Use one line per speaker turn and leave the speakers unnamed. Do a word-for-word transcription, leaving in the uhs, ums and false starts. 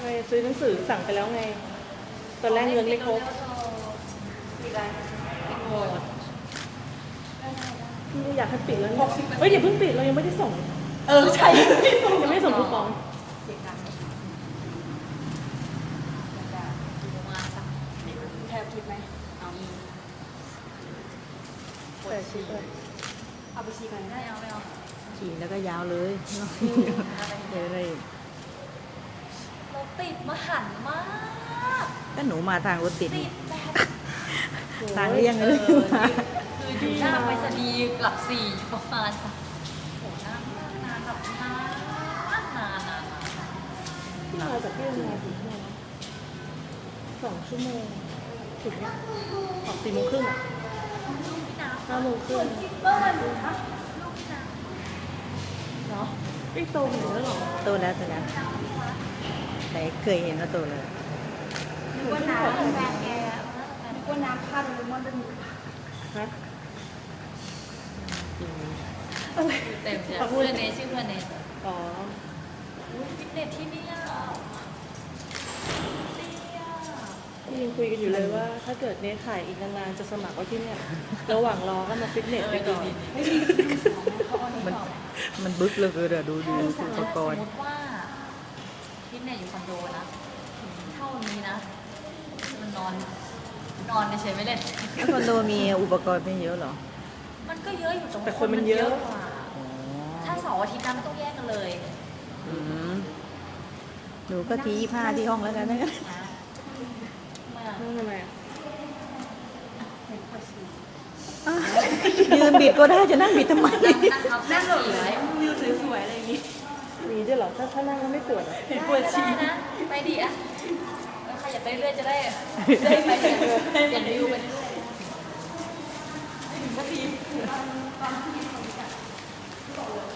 ไม่ซื้อหนังสือสั่งไปแล้วไงตอนแรกเงินไม่ครบ
มีอะไรปิดหมด
ไม่อยากให้ปิดแล้วเนี่ยเฮ้ยอย่าเพิ่งปิดเรายังไม่ได้ส่ง
เออใช่ไม่ส่ง
ยังไม่ส่งคูปอง
เสียงดังมาสักแทบคิดไหมเอาอี
แต่ชิปเลย
เอาไปชีกัน
ไม่เอาไม่เอา
ขี่แล้วก็ยาวเลยเดี๋ยวเลย
เราติดมาหันมาก
ก็หนูมาทางรถติด
ติดแบบ
ทางเลี่ยง
เอ
เลย
อคืออยู่หน้าไปรษณีย์หลักสี่ประมาณสักโหนานนานแบบนานนานนานนาน
ที่มาจากที่ทำงานถึงเนี่ยนะสองชั่วโมงถึงเนี่ยออกสี่โมงครึ่งอ่ะ
ลูกพี่น้ำ
ห้าโมงครึ่ง
คิปเปอร์ดูคะลูกพี่น้
เนาะไอ้โตขนาดนั้นเหรอ
โตแล้วโตแล้วแต่เคยเห็นว่าโตเลย
นึกว่าน้
ำแฟนแก
ำนึกว่าน้ำค่าโดเรมอนเป็นหมู
ฮะ
เต็มเลยเพื่อนเนชื่อเพื่อนเน
อ๋อ
อุ้ยฟิตเนสที่นี่อ่ะดีอ่ะ
ที่ยังคุยกันอยู่เลยว่า ถ้าเกิดเนทถ่ายอีกนานๆจะสมัครไว้ที่เนี่ยระหว่างรอก็มาฟิตเนสไปก่อน
ไม่มีเขาเอานี่
มัน
ต่อ
มันบึกเลยคือเดี๋ยวดูดูอุปกร
ส
ณ์
มมติว่าฟิตเนสอยู่คอนโดนะเท่านี้นะ มันนอน นอนเฉยๆไม่เล่น
แล้วคอนโดมีอุปกรณ์ไม่เยอะเหรอ
มันก็เยอะอยู่ตรง
แต่คนมันเยอะ
กว่า
อ๋อ
ถ้าเสาร์อาทิตย์นะมันต้องแยกกันเลย
อืมหนูก็ทียี่ห้าที่ห้องแล้วกันนะ
นะมา
นั่นทำไมอะ
ยืนบิดก็ได้จะนั่งบิดทำไม
นั่งนั่งทับนั่ง
นั่ง
สี
แบบ
ไว้
วิวสวยๆอะไรอย่างงี้
มีด้วยเหรอถ้าถ้านั่งแล้วไม่ปวดเหรอ
เห็นปวดฉี่
ได้นะ ไปดิอ่ะเออใครอยากไปเรื่อยๆจะได้ได้ไปเปลี่ยนเปลี่ยนวิวไปเรื่อยๆ
ถึงนาที